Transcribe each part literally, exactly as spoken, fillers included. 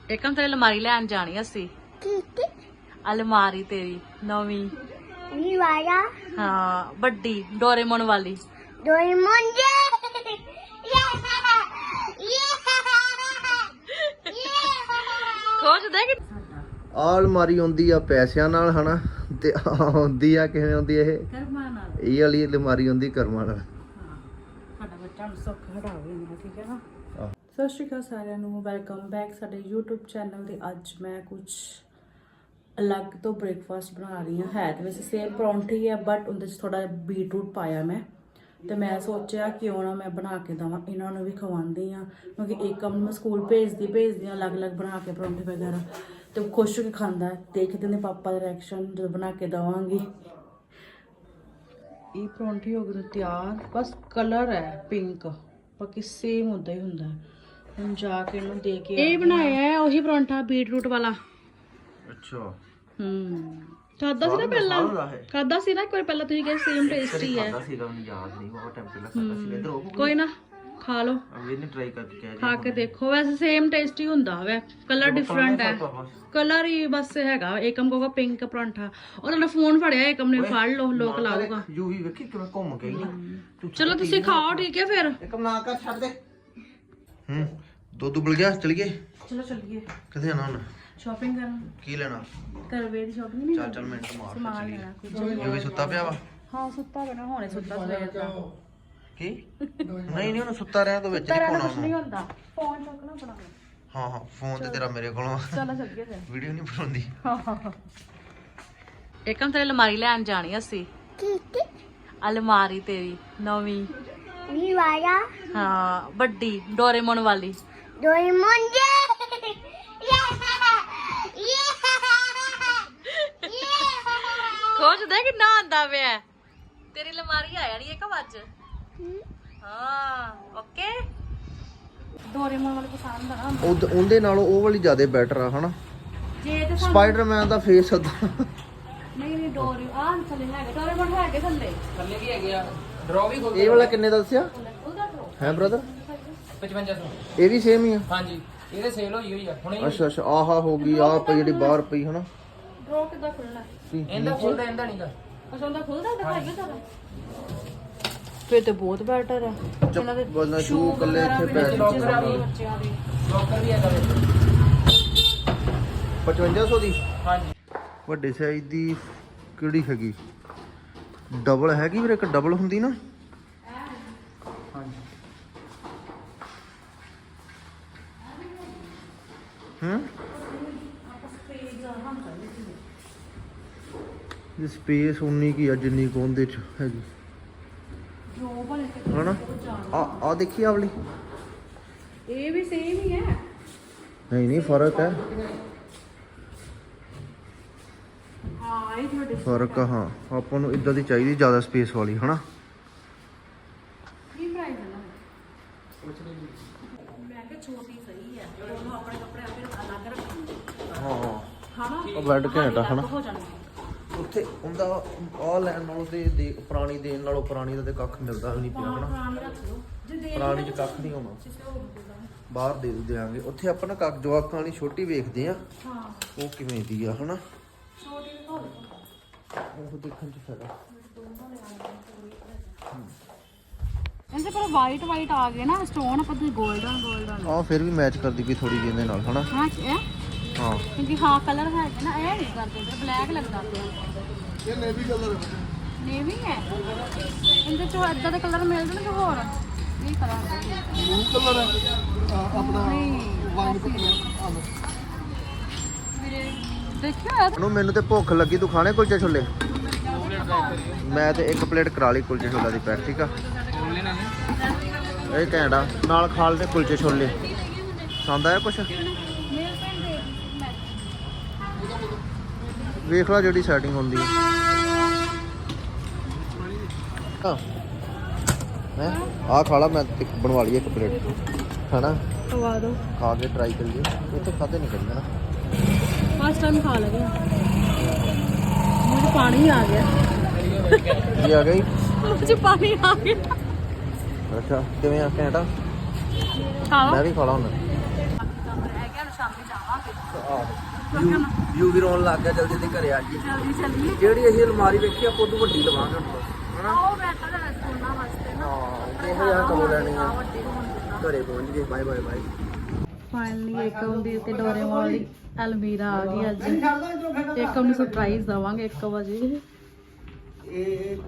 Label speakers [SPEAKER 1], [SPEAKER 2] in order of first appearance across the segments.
[SPEAKER 1] एकम तेरी अलमारी लैन जानी असी अलमारी तेरी नवी
[SPEAKER 2] वाला
[SPEAKER 1] हाँ बड्डी डोरेमोन वाली
[SPEAKER 2] डोरेमोन जे
[SPEAKER 1] खोज दे कि
[SPEAKER 3] ਆ ਅਲਮਾਰੀ ਆਉਂਦੀ ਆ ਪੈਸਿਆਂ ਨਾਲ ਹਨਾ ਤੇ ਆਉਂਦੀ ਆ ਕਿਵੇਂ ਆਉਂਦੀ ਇਹ
[SPEAKER 1] ਕਰਮਾਂ ਨਾਲ
[SPEAKER 3] ਇਹ ਵਾਲੀ ਅਲਮਾਰੀ ਆਉਂਦੀ ਕਰਮਾਂ ਨਾਲ
[SPEAKER 1] ਸਾਡਾ ਬੱਚਾ ਨੂੰ ਸੁੱਖ ਹਟਾਵੇ ਨਾ ਠੀਕ ਹੈ ਨਾ। ਸਤਿ ਸ਼੍ਰੀ ਅਕਾਲ ਸਾਰਿਆਂ ਨੂੰ, ਵੈਲਕਮ ਬੈਕ ਸਾਡੇ YouTube ਚੈਨਲ ਤੇ। ਅੱਜ ਮੈਂ ਕੁਝ ਅਲੱਗ ਤੋਂ ਬ੍ਰੇਕਫਾਸਟ ਬਣਾ ਰਹੀ ਹਾਂ। ਹੈ ਤੇ ਵੈਸੇ ਸੇਮ ਪਰੌਂਠੀ ਹੈ ਬਟ ਉਹਦੇ 'ਚ ਥੋੜਾ ਬੀਟਰੂਟ ਪਾਇਆ ਮੈਂ, ਤੇ ਮੈਂ ਸੋਚਿਆ ਕਿਉਂ ਨਾ ਮੈਂ ਬਣਾ ਕੇ ਦੇਵਾਂ, ਇਹਨਾਂ ਨੂੰ ਵੀ ਖਵਾਉਂਦੀ ਹਾਂ ਕਿਉਂਕਿ ਏਕਮ ਨੂੰ ਮੈਂ ਸਕੂਲ ਭੇਜਦੀ ਭੇਜਦੀ ਹਾਂ ਅਲੱਗ-ਅਲੱਗ ਬਣਾ ਕੇ ਪਰੌਂਠੇ ਵਗੈਰਾ, ਤੇ ਉਹ ਖੁਸ਼ ਹੋ ਕੇ ਖਾਂਦਾ। ਦੇਖਦੇ ਨੇ ਪਾਪਾ ਦਾ ਰਿਐਕਸ਼ਨ ਜਦੋਂ ਬਣਾ ਕੇ ਦੇਵਾਂਗੀ। ਇਹ ਪਰੌਂਠੀ ਹੋ ਗਈ ਤਿਆਰ, ਬਸ ਕਲਰ ਹੈ ਪਿੰਕ, ਬਾਕੀ ਸੇਮ ਹੁੰਦਾ ਹੀ ਹੁੰਦਾ। ਹੁਣ ਜਾ ਕੇ ਇਹਨੂੰ ਦੇ ਕੇ ਇਹ ਬਣਾਇਆ ਹੈ ਉਹੀ ਪਰੌਂਠਾ ਬੀਟਰੂਟ ਵਾਲਾ।
[SPEAKER 3] ਅੱਛਾ
[SPEAKER 1] ਹੂੰ ਖਾਦਾ ਸੀ ਨਾ ਪਹਿਲਾਂ, ਖਾਦਾ ਸੀ ਨਾ ਇੱਕ ਵਾਰ ਪਹਿਲਾਂ, ਤੁਸੀਂ ਕਿਹਾ ਸੇਮ ਟੇਸਟੀ ਹੈ।
[SPEAKER 3] ਸੀਗਾ ਮੈਨੂੰ ਯਾਦ ਨਹੀਂ, ਬਹੁਤ ਟਾਈਮ ਪਹਿਲਾਂ ਖਾਦਾ ਸੀ। ਇਧਰ ਉਹ
[SPEAKER 1] ਕੋਈ ਨਾ ਖਾ ਲਓ,
[SPEAKER 3] ਅਗਲੇ ਨੇ ਟਰਾਈ ਕਰਕੇ ਕਿਹਾ
[SPEAKER 1] ਖਾ ਕੇ ਦੇਖੋ। ਵੈਸੇ ਸੇਮ ਟੇਸਟੀ ਹੁੰਦਾ ਵੇ, ਕਲਰ ਡਿਫਰੈਂਟ ਹੈ, ਕਲਰ ਹੀ ਬਸ ਹੈਗਾ। ਏਕਮ ਕੋਗਾ ਪਿੰਕ ਪਰੌਂਠਾ, ਉਹਨਾਂ ਨੇ ਫੋਨ ਫੜਿਆ, ਏਕਮ ਨੇ ਫੜ ਲਓ, ਲੋਕ ਲਾਊਗਾ।
[SPEAKER 3] ਯੂਵੀ ਵੇਖੀ ਕਿਵੇਂ ਘੁੰਮ ਗਈ ਨਾ।
[SPEAKER 1] ਚਲੋ ਤੁਸੀਂ ਖਾਓ ਠੀਕ ਹੈ ਫਿਰ।
[SPEAKER 3] ਇੱਕਮ ਨਾ ਕਰ, ਛੱਡ ਦੇ। ਹੂੰ ਦੁੱਧ ਉਬਲ ਗਿਆ, ਚਲੀਏ।
[SPEAKER 1] ਚਲੋ ਚੱਲੀਏ।
[SPEAKER 3] ਕਿੱਥੇ ਜਾਣਾ ਹੁਣ?
[SPEAKER 1] ਸ਼ਾਪਿੰਗ ਕਰਨ।
[SPEAKER 3] ਕੀ ਲੈਣਾ?
[SPEAKER 1] ਕਰਵੇ ਦੀ ਸ਼ਾਪਿੰਗ ਨਹੀਂ।
[SPEAKER 3] ਚੱਲ ਚੱਲ ਮਿੰਟ ਮਾਰ ਕੇ
[SPEAKER 1] ਸਮਾਨ
[SPEAKER 3] ਚਲੀਏ।
[SPEAKER 1] ਲੈਣਾ ਕੁਝ।
[SPEAKER 3] ਯੂਵੀ ਸੁੱਤਾ ਪਿਆ ਵਾ?
[SPEAKER 1] ਹਾਂ ਸੁੱਤਾ ਪਿਆ, ਹੁਣੇ ਸੁੱਤਾ ਸਵੇਰ ਦਾ।
[SPEAKER 3] ਕੀ? ਨਹੀਂ ਨਹੀਂ ਉਹਨੂੰ ਸੁੱਤਾ ਰਿਹਾ ਤਾਂ ਵਿੱਚ ਨਹੀਂ ਪਾਉਣਾ
[SPEAKER 1] ਕੁਝ ਨਹੀਂ
[SPEAKER 3] ਉਹਨੂੰ।
[SPEAKER 1] ਹੁੰਦਾ, ਫੋਨ ਚੁੱਕਣਾ ਬਣਾ।
[SPEAKER 3] ਹਾਂ ਹਾਂ ਫੋਨ ਤੇ ਤੇਰਾ ਮੇਰੇ ਕੋਲੋਂ
[SPEAKER 1] ਚਲੋ ਚੱਲੀਏ ਫਿਰ।
[SPEAKER 3] ਵੀਡੀਓ ਨਹੀਂ ਬਣਾਉਂਦੀ।
[SPEAKER 1] ਏਕਮ ਤੇਰੀ ਅਲਮਾਰੀ ਲੈਣ ਜਾਣੀ ਅਸੀਂ। ਅਲਮਾਰੀ ਤੇਰੀ ਨਵੀਂ
[SPEAKER 2] वाला
[SPEAKER 1] ਹਾਂ ਵੱਡੀ ਡੋਰੇਮੋਨ ਵਾਲੀ
[SPEAKER 2] डोरेमोन जे
[SPEAKER 1] ਖੋਜ ਦੇ ਕਿੰਨਾ ਆਂਦਾ ਪਿਆ। ਤੇਰੀ ਅਲਮਾਰੀ ਆ ਜਾਣੀ ਏਕਮ ਅੱਜ। ਹਾਂ ਓਕੇ। ਡੋਰੇਮੋਨ ਵਾਲੀ ਪਸੰਦ ਆ ਨਾ।
[SPEAKER 3] ਉਹ ਉਹਦੇ ਨਾਲੋਂ ਉਹ ਵਾਲੀ ਜ਼ਿਆਦਾ ਬੈਟਰ ਆ ਹਨਾ।
[SPEAKER 1] ਜੇ ਤੇ
[SPEAKER 3] ਸਪਾਈਡਰਮੈਨ ਦਾ ਫੇਸ ਅਦਾ।
[SPEAKER 1] ਨਹੀਂ ਨਹੀਂ ਡੋਰੇ ਆ ਥੱਲੇ ਹੈਗੇ, ਡੋਰੇਮੋਨ ਹੈਗੇ ਥੱਲੇ
[SPEAKER 4] ਥੱਲੇ ਵੀ ਹੈਗੇ ਆ। ਡਰੋ ਵੀ ਖੋਲ
[SPEAKER 3] ਇਹ ਵਾਲਾ ਕਿੰਨੇ ਦਾ ਦੱਸਿਆ
[SPEAKER 1] ਉਹਦਾ ਡਰੋ
[SPEAKER 3] ਹੈ ਬ੍ਰਦਰ?
[SPEAKER 4] ਪਚਵੰਜਾ ਸੌ।
[SPEAKER 3] ਇਹ ਵੀ ਸੇਮ ਹੀ ਆ?
[SPEAKER 4] ਹਾਂਜੀ ਇਹਦੇ ਸੇਲ ਹੋਈ ਹੋਈ ਆ ਹੁਣੇ।
[SPEAKER 3] ਅੱਛਾ ਅੱਛਾ ਆਹਾ ਹੋ ਗਈ ਆ ਪਈ ਜਿਹੜੀ ਬਾਹਰ ਪਈ ਹਨਾ।
[SPEAKER 1] ਡਰੋ ਕਿੱਦਾਂ ਖੁੱਲਣਾ?
[SPEAKER 4] ਇਹਦਾ ਖੋਲਦਾ ਇਹਦਾ ਨਹੀਂਗਾ।
[SPEAKER 1] ਅੱਛਾ ਉਹਦਾ ਖੁੱਲਦਾ, ਦਿਖਾਈਏ ਜ਼ਰਾ। ਫੇਰ ਤੇ ਬਹੁਤ ਬੈਟਰ ਹੈ। ਇਹਨਾਂ ਦੇ
[SPEAKER 3] ਬੋਲਣਾ ਸ਼ੂ ਕੱਲੇ ਇੱਥੇ ਪੈ
[SPEAKER 4] ਲੋਕਰ ਆ ਵੀ
[SPEAKER 1] ਬੱਚਿਆਂ ਦੇ
[SPEAKER 4] ਲੋਕਰ ਵੀ ਹੈਗਾ ਵਿੱਚ।
[SPEAKER 3] ਪਚਵੰਜਾ ਸੌ ਦੀ
[SPEAKER 4] ਹਾਂਜੀ
[SPEAKER 3] ਵੱਡੇ ਸਾਈਜ਼ ਦੀ ਕਿਹੜੀ ਹੈਗੀ? ਡਬਲ ਹੈਗੀ ਵੀਰੇ, ਇੱਕ ਡਬਲ ਹੁੰਦੀ ਨਾ।
[SPEAKER 4] ਹਾਂਜੀ
[SPEAKER 3] ਹੂੰ ਇਹ ਸਪੇਸ ਉਨੀ ਕੀ ਆ ਜਿੰਨੀ ਕੁ ਉਹਦੇ ਚ ਹੈਗੀ
[SPEAKER 1] ਜੋ ਬਣੇ ਤੇ
[SPEAKER 3] ਹਨਾ। ਆ ਆ ਦੇਖੀ ਆ ਵਾਲੀ।
[SPEAKER 1] ਇਹ ਵੀ ਸੇਮ ਹੀ ਹੈ।
[SPEAKER 3] ਨਹੀਂ ਨਹੀਂ ਫਰਕ ਹੈ,
[SPEAKER 1] ਹਾਂ ਇਹ ਤੁਹਾਡੇ
[SPEAKER 3] ਫਰਕ ਆ। ਹਾਂ ਆਪਾਂ ਨੂੰ ਇਦਾਂ ਦੀ ਚਾਹੀਦੀ ਜ਼ਿਆਦਾ ਸਪੇਸ ਵਾਲੀ ਹਨਾ।
[SPEAKER 1] ਕੀ ਪ੍ਰਾਈਸ ਹੈ ਨਾ? ਮੈਂ ਕਿਹਾ ਛੋਟੀ ਸਹੀ ਹੈ, ਉਹਨੂੰ ਆਪਣੇ ਕੱਪੜੇ ਆਪੇ ਅਲੱਗ ਰੱਖਣੇ।
[SPEAKER 3] ਹਾਂ
[SPEAKER 1] ਹਨਾ
[SPEAKER 3] ਉਹ ਬੈੱਡ ਘੈਂਟ ਆ ਹਨਾ।
[SPEAKER 1] ਹੋ ਜਾਣਗੇ
[SPEAKER 3] ਉੱਥੇ ਉਹਦਾ ਆਹ ਲੈਣ ਨਾਲੋਂ ਤੇ ਦੇ ਪੁਰਾਣੀ ਦੇਣ ਨਾਲੋਂ ਪੁਰਾਣੀ ਦਾ ਤੇ ਕੱਖ ਮਿਲਦਾ ਵੀ ਨਹੀਂ ਪਿਆ ਹਨਾ।
[SPEAKER 1] ਪੁਰਾਣੀ ਰੱਖ ਲਓ ਜੇ ਦੇ
[SPEAKER 3] ਪੁਰਾਣੀ ਚ ਕੱਖ ਨਹੀਂ ਹੋਣਾ,
[SPEAKER 1] ਕਿਸੇ ਹੋਰ ਨੂੰ ਦੇਣਾ।
[SPEAKER 3] ਬਾਹਰ ਦੇ ਦਿਆਂਗੇ। ਉੱਥੇ ਆਪਾਂ ਨਾ ਕੱਖ ਜਵਾਕਾਂ ਵਾਲੀ ਛੋਟੀ ਵੇਖਦੇ ਆ,
[SPEAKER 1] ਹਾਂ
[SPEAKER 3] ਉਹ ਕਿਵੇਂ ਦੀ ਆ ਹਨਾ।
[SPEAKER 1] ਛੋਟੀ ਵੀ ਹੋ
[SPEAKER 3] ਉਹ ਦੇਖਣ ਚ ਫਾਇਦਾ।
[SPEAKER 1] ਇਹਦੇ ਪਰ ਵਾਈਟ ਵਾਈਟ ਆ ਗਏ ਨਾ ਸਟੋਨ, ਆਪਾਂ ਤੇ 골ਡਨ 골ਡਨ।
[SPEAKER 3] ਆਹ ਫਿਰ ਵੀ ਮੈਚ ਕਰਦੀ ਪਈ ਥੋੜੀ ਜਿਹੀ ਇਹਦੇ ਨਾਲ ਹਨਾ।
[SPEAKER 1] ਹਾਂ ਇਹ
[SPEAKER 3] ਹਾਂ
[SPEAKER 1] ਕਿਉਂਕਿ ਹਾਂ ਕਲਰ ਹੈ ਨਾ, ਇਹ ਨਹੀਂ ਕਰਦੇ ਤੇ ਬਲੈਕ ਲੱਗਦਾ ਪਿਆ।
[SPEAKER 3] ਇਹ ਨੇਵੀ ਕਲਰ
[SPEAKER 1] ਨੇਵੀ ਹੈ ਇਹਦੇ ਚੋਂ ਇਦਾਂ ਦੇ ਕਲਰ ਮਿਲ ਜਾਣਗੇ ਹੋਰ। ਇਹ ਕਲਰ
[SPEAKER 3] ਬਲੂ ਕਲਰ ਆਪਣਾ ਵਾਈਨ
[SPEAKER 1] ਵੀਰੇ ਦੇਖਿਆ
[SPEAKER 3] ਨੂੰ। ਮੈਨੂੰ ਤੇ ਭੁੱਖ ਲੱਗੀ, ਤੂੰ ਖਾਣੇ ਕੁਲਚੇ ਛੋਲੇ? ਮੈਂ ਤੇ ਇੱਕ ਪਲੇਟ ਕਰਾ ਲਈ ਕੁਲਚੇ ਛੋਲੇ ਦੀ ਪੈਕ, ਠੀਕ ਆ। ਇਹ ਘੈਂਟਾ ਨਾਲ ਖਾ ਲਦੇ ਕੁਲਚੇ ਛੋਲੇ। ਪਸੰਦ ਆਇਆ ਕੁਛ? ਵੇਖ ਲਾ ਜਿਹੜੀ ਸੈਟਿੰਗ ਹੁੰਦੀ ਹੈ। ਹੈ ਆਹ ਖਾ ਲਾ, ਮੈਂ ਤੇ ਬਣਵਾ ਲਈ ਇੱਕ ਪਲੇਟ ਹਨਾ।
[SPEAKER 1] ਖਵਾ ਦੋ,
[SPEAKER 3] ਖਾ ਕੇ ਟਰਾਈ ਕਰੀਏ। ਇਹ ਤਾਂ ਖਾਦੇ ਨਹੀਂ ਕਰੀਏ ਨਾ,
[SPEAKER 1] ਫਸਟ ਟਾਈਮ ਖਾ ਲਗੇ। ਮੁझे ਪਾਣੀ ਆ ਗਿਆ।
[SPEAKER 3] ਕੀ ਆ ਗਈ?
[SPEAKER 1] ਮੁझे ਪਾਣੀ ਆ ਗਿਆ।
[SPEAKER 3] ਅੱਛਾ ਕਿਵੇਂ ਆ ਘੈਂਟਾ?
[SPEAKER 1] ਖਾ ਲਓ।
[SPEAKER 3] ਮੈਂ ਵੀ ਖਾ ਲਾ ਹੁਣ।
[SPEAKER 1] ਰਹਿ ਗਿਆ, ਸ਼ਾਮੀ ਜਾਵਾਂਗੇ।
[SPEAKER 3] ਯੂ ਵੀ ਰੋਣ ਲੱਗ ਗਿਆ, ਜਲਦੀ ਜਲਦੀ ਘਰੇ ਆ ਜੀ।
[SPEAKER 1] ਜਲਦੀ ਚੱਲੀਏ।
[SPEAKER 3] ਜਿਹੜੀ ਅਸੀਂ ਅਲਮਾਰੀ ਵੇਖੀ ਆਪਾਂ ਉਦੋਂ ਵੱਡੀ ਲਵਾਂਗੇ ਹੁਣ ਬਸ, ਹਨਾ?
[SPEAKER 1] ਉਹ ਬੈਠਾ ਹੈ ਸੋਨਾ ਵਾਸਤੇ ਨਾ।
[SPEAKER 3] ਹਾਂ ਇਹੋ ਜਿਹਾ ਕੰਮ ਲੈਣੀ ਆ।
[SPEAKER 1] ਵੱਡੀ ਹੋਣ ਦਿੰਦਾ।
[SPEAKER 3] ਘਰੇ ਪਹੁੰਚ ਗਏ, bye bye bye.
[SPEAKER 1] Finally Ekam ਦੀ ਤੇ ਡੋਰੇਮੋਨ ਦੀ ਅਲਮੀਰਾ ਆ ਗਈ ਅੱਜ। ਏਕਮ ਨੂੰ ਸਰਪ੍ਰਾਈਜ਼ ਦਵਾਂਗੇ ਇੱਕ ਵਜੇ।
[SPEAKER 3] ਇਹ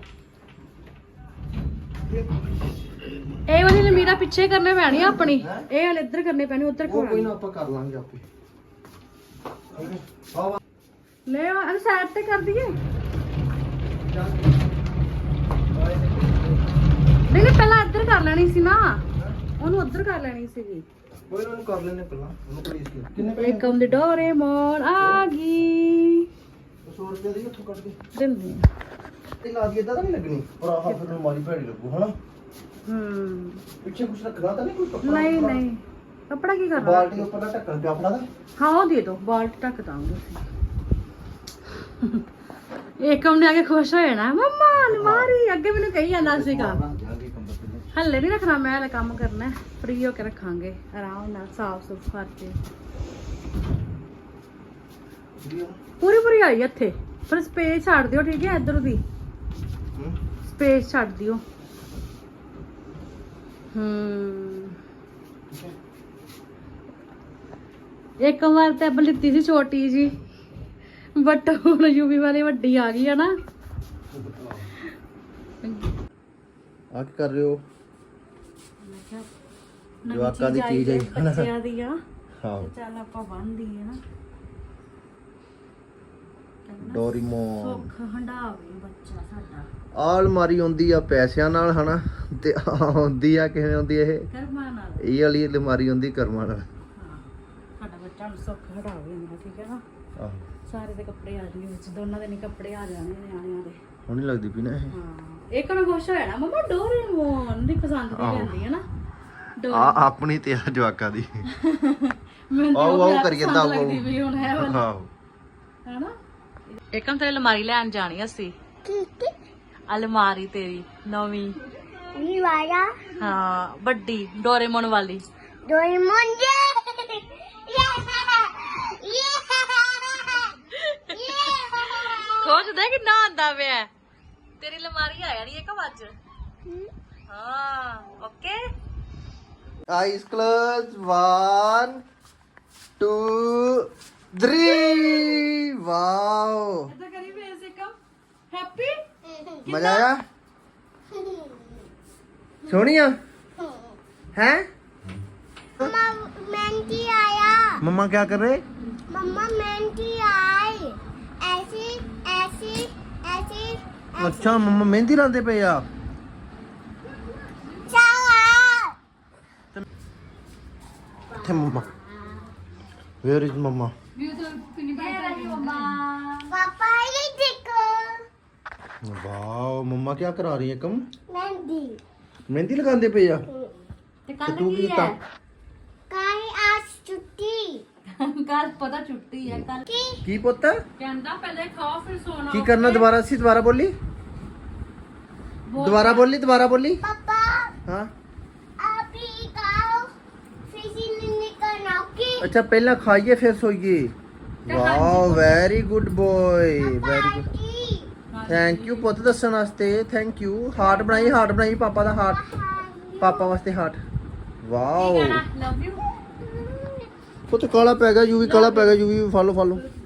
[SPEAKER 1] ਇਹ ਵਾਲੀ ਅਲਮੀਰਾ ਪਿੱਛੇ ਕਰਨੇ ਪੈਣੀ ਆ ਆਪਣੀ, ਇਹ ਵਾਲੇ ਇੱਧਰ ਕਰਨੇ ਪੈਣੇ, ਉੱਧਰ
[SPEAKER 3] ਉਹ ਕੋਈ
[SPEAKER 1] ਕਿਉਂ
[SPEAKER 3] ਨਾ ਆਪਾਂ ਕਰ ਲਾਂਗੇ ਆਪੇ। ਆਹ
[SPEAKER 1] ਲੈ ਆ ਸਾਈਡ ਤੇ ਕਰ ਦਈਏ। ਨਹੀਂ ਨਹੀਂ ਪਹਿਲਾਂ ਇੱਧਰ ਕਰ ਲੈਣੀ ਸੀ ਨਾ, ਉਹਨੂੰ ਉੱਧਰ ਕਰ ਲੈਣੀ ਸੀਗੀ।
[SPEAKER 3] ਕੋਈ ਨਾ, ਉਹਨੂੰ ਕਰ ਲੈਣੇ ਪਹਿਲਾਂ, ਉਹਨੂੰ ਪਲੀਜ਼ ਕਿੰਨੇ ਪੈਸੇ?
[SPEAKER 1] ਏਕਮ ਦੀ ਡੋਰੇਮੋਨ ਆ ਗਈ।
[SPEAKER 3] ਸੌ ਰੁਪਏ ਦੀ ਉੱਥੋਂ ਕੱਢ ਕੇ
[SPEAKER 1] ਦਿੰਦੇ
[SPEAKER 3] ਤੇ ਲਾ ਦੀ, ਇਦਾਂ ਤਾਂ ਨਹੀਂ ਲੱਗਣੀ? ਪਰ ਆਹ ਫਿਰ ਅਲਮਾਰੀ ਭੈੜੀ ਲੱਗੂ, ਹਨਾ?
[SPEAKER 1] ਹੂੰ
[SPEAKER 3] ਪਿੱਛੇ ਕੁਛ ਰੱਖਣਾ ਤਾਂ ਨਹੀਂ, ਕੋਈ ਕੱਪੜਾ?
[SPEAKER 1] ਨਹੀਂ ਨਹੀਂ ਕੱਪੜਾ ਕੀ ਕਰਨਾ?
[SPEAKER 3] ਬਾਲਟੀ ਦੇ ਉੱਪਰ ਦਾ ਢੱਕਣ ਪਿਆ ਆਪਣਾ ਦਾ।
[SPEAKER 1] ਹਾਂ ਉਹ ਦੇ ਦੋ, ਬਾਲਟੀ ਢੱਕ ਦਾਂਗੇ ਅਸੀਂ। ਏਕਮ ਨੇ ਆ ਕੇ ਖੁਸ਼ ਹੋ ਜਾਣਾ, ਮੰਮਾ ਅਲਮਾਰੀ। ਅੱਗੇ ਮੈਨੂੰ ਕਹੀ ਜਾਂਦਾ ਸੀਗਾ
[SPEAKER 3] ਜਾਗੇ ਕੰਬਲ ਤੇ।
[SPEAKER 1] ਹੱਲੇ ਨਹੀਂ ਰੱਖਣਾ, ਮੈਂ ਹਲੇ ਕੰਮ ਕਰਨਾ, ਫ੍ਰੀ ਹੋ ਕੇ ਰੱਖਾਂਗੇ ਆਰਾਮ ਨਾਲ, ਸਾਫ ਸੁਥ ਕਰਕੇ। ਪੂਰੀ ਪੂਰੀ ਆਈ ਇੱਥੇ, ਪਰ ਸਪੇਸ ਛੱਡ ਦਿਓ, ਠੀਕ ਹੈ? ਇੱਧਰ ਦੀ
[SPEAKER 3] ਹੂੰ
[SPEAKER 1] ਸਪੇਸ ਛੱਡ ਦਿਓ। ਹੂੰ ਇੱਕ ਵਾਰ ਤੇ ਆਪਾਂ ਲਿੱਤੀ ਸੀ ਛੋਟੀ ਜੀ, ਬਟ ਹੁਣ ਯੂਵੀ ਵਾਲੀ ਵੱਡੀ ਆ ਗਈ ਹੈ ਨਾ।
[SPEAKER 3] ਆ ਕੀ ਕਰ ਰਹੇ ਹੋ?
[SPEAKER 1] ਮੈਂ ਕਿਹਾ
[SPEAKER 3] ਜਵਾਕਾਂ ਦੀ ਚੀਜ਼ ਹੈ।
[SPEAKER 1] ਬੱਚਿਆਂ ਦੀ ਆ,
[SPEAKER 3] ਹਾਂ
[SPEAKER 1] ਚੱਲ ਆਪਾਂ ਬੰਨ੍ਹਦੀ ਹੈ ਨਾ।
[SPEAKER 3] ਡੋਰੀਮੋਨ।
[SPEAKER 1] ਸੁੱਖ ਹੰਡਾਵੇ ਬੱਚਾ ਸਾਡਾ।
[SPEAKER 3] ਆਹ ਅਲਮਾਰੀ ਆਉਂਦੀ ਆ ਪੈਸਿਆਂ ਨਾਲ, ਹਨਾ? ਤੇ ਆਹ ਆਉਂਦੀ ਆ ਕਿਵੇਂ ਆਉਂਦੀ ਇਹ?
[SPEAKER 1] ਕਰਮਾਂ ਨਾਲ।
[SPEAKER 3] ਇਹ ਵਾਲੀ ਅਲਮਾਰੀ ਆਉਂਦੀ ਕਰਮਾਂ ਨਾਲ।
[SPEAKER 1] ਹਾਂ ਸਾਡਾ ਬੱਚਾ ਹੁਣ ਸੁੱਖ ਹਟਾਵੇ ਮੇਰਾ, ਠੀਕ ਹੈ ਨਾ?
[SPEAKER 3] ਆਹੋ
[SPEAKER 1] ਸਾਰੇ ਦੇ ਕੱਪੜੇ ਆ ਜਾਣਗੇ ਵਿੱਚ, ਦੋਨਾਂ ਦੇ ਨਹੀਂ ਕੱਪੜੇ ਆ ਜਾਣੇ ਨਿਆਣਿਆਂ ਦੇ।
[SPEAKER 3] ਹੁਣ ਨਹੀਂ ਲੱਗਦੀ ਪਈ ਨਾ ਇਹ।
[SPEAKER 1] ਹਾਂ ਇੱਕ ਨੂੰ ਖੁਸ਼ ਹੋ ਜਾਣਾ, ਮੰਮਾ ਡੋਰੇਮੋਨ ਦੀ ਪਸੰਦ ਦੀ ਲੈਂਦੀ ਹੈ ਨਾ।
[SPEAKER 3] ਆ ਆਪਣੀ ਤੇ ਆ ਜਵਾਕਾਂ ਦੀ।
[SPEAKER 1] ਮੈਨੂੰ ਤਾਂ
[SPEAKER 3] ਆਓ
[SPEAKER 1] ਉਹ
[SPEAKER 3] ਆਓ ਕਰੀ ਜਾਂਦਾ, ਆਓ
[SPEAKER 1] ਲੱਗਦੀ ਵੀ ਹੁਣ ਹੈ ਵਾਲੀ,
[SPEAKER 3] ਆਹੋ।
[SPEAKER 1] ਹੈਨਾ? ਇੱਕਮ ਤੇ ਅਲਮਾਰੀ ਲੈਣ ਜਾਣੀ ਅਸੀਂ, ਅਲਮਾਰੀ ਤੇਰੀ ਨਵੀਂ।
[SPEAKER 2] ਵੀ ਵਾਰਾ
[SPEAKER 1] ਹਾਂ ਵੱਡੀ ਡੋਰੇਮੋਨ ਵਾਲੀ।
[SPEAKER 2] ਡੋਰੇਮੋਨ ਜੇ
[SPEAKER 1] ਖੁਸ਼ ਦੇ ਕਿੰਨਾ ਆਂਦਾ ਪਿਆ ਤੇਰੀ ਅਲਮਾਰੀ ਆ ਜਾਣੀ ਇੱਕ ਅੱਜ। ਹਾਂ okay.
[SPEAKER 3] Eyes close, one two three। Wow
[SPEAKER 1] ਇਦਾਂ ਕਰੀ ਫੇਸ ਇੱਕਮ ਹੈਪੀ।
[SPEAKER 3] ਮਜ਼ਾ ਆਇਆ? ਸੋਹਣੀਆ ਹੈ?
[SPEAKER 2] मम्मा मेहंदी आया।
[SPEAKER 3] मम्मा क्या कर रहे?
[SPEAKER 2] मम्मा मेहंदी आई। ऐसी ऐसी ऐसी
[SPEAKER 3] अच्छा मम्मा मेहंदी लाते पे आ।
[SPEAKER 2] चला
[SPEAKER 3] थे मम्मा, वेयर इज मम्मा?
[SPEAKER 2] पापा ये देखो
[SPEAKER 3] वाओ मम्मा क्या करा रही है? कम
[SPEAKER 2] मेहंदी
[SPEAKER 3] मेहंदी लगाते पे आ।
[SPEAKER 1] ਤੇ
[SPEAKER 3] ਤੇ
[SPEAKER 1] ਕੱਲ
[SPEAKER 3] ਤੂੰ ਕੀ
[SPEAKER 1] ਕੀ
[SPEAKER 3] ਕੀਤਾ?
[SPEAKER 1] ਹੈ?
[SPEAKER 2] कल आज छुट्टी
[SPEAKER 1] ਕੱਲ ਪਤਾ ਛੁੱਟੀ ਹੈ ਕੱਲ।
[SPEAKER 2] की
[SPEAKER 3] की पुत
[SPEAKER 1] ਕਹਿੰਦਾ ਪਹਿਲੇ ਖਾਓ ਫਿਰ ਸੋਣਾ।
[SPEAKER 3] की करना? दोबारा सी दोबारा बोली, दोबारा बोली, दोबारा बोली।
[SPEAKER 2] पापा
[SPEAKER 3] हाँ
[SPEAKER 2] अभी खाओ फिर से करना ओके।
[SPEAKER 3] अच्छा पहला खाइए फिर सोइए। Wow very good boy, very good. Thank you पुत दसन वास्ते, थैंक यू। हार्ट बनाई, हार्ट बनाई पापा दा हार्ट, पापा वास्ते हार्ट। Wow
[SPEAKER 1] love you.
[SPEAKER 3] ਪੁੱਤ ਕਾਲਾ ਪੈ ਗਿਆ, ਯੂ ਵੀ ਕਾਲਾ ਪੈ ਗਿਆ, ਯੂ ਵੀ ਫਾਲੋ ਫਾਲੋ।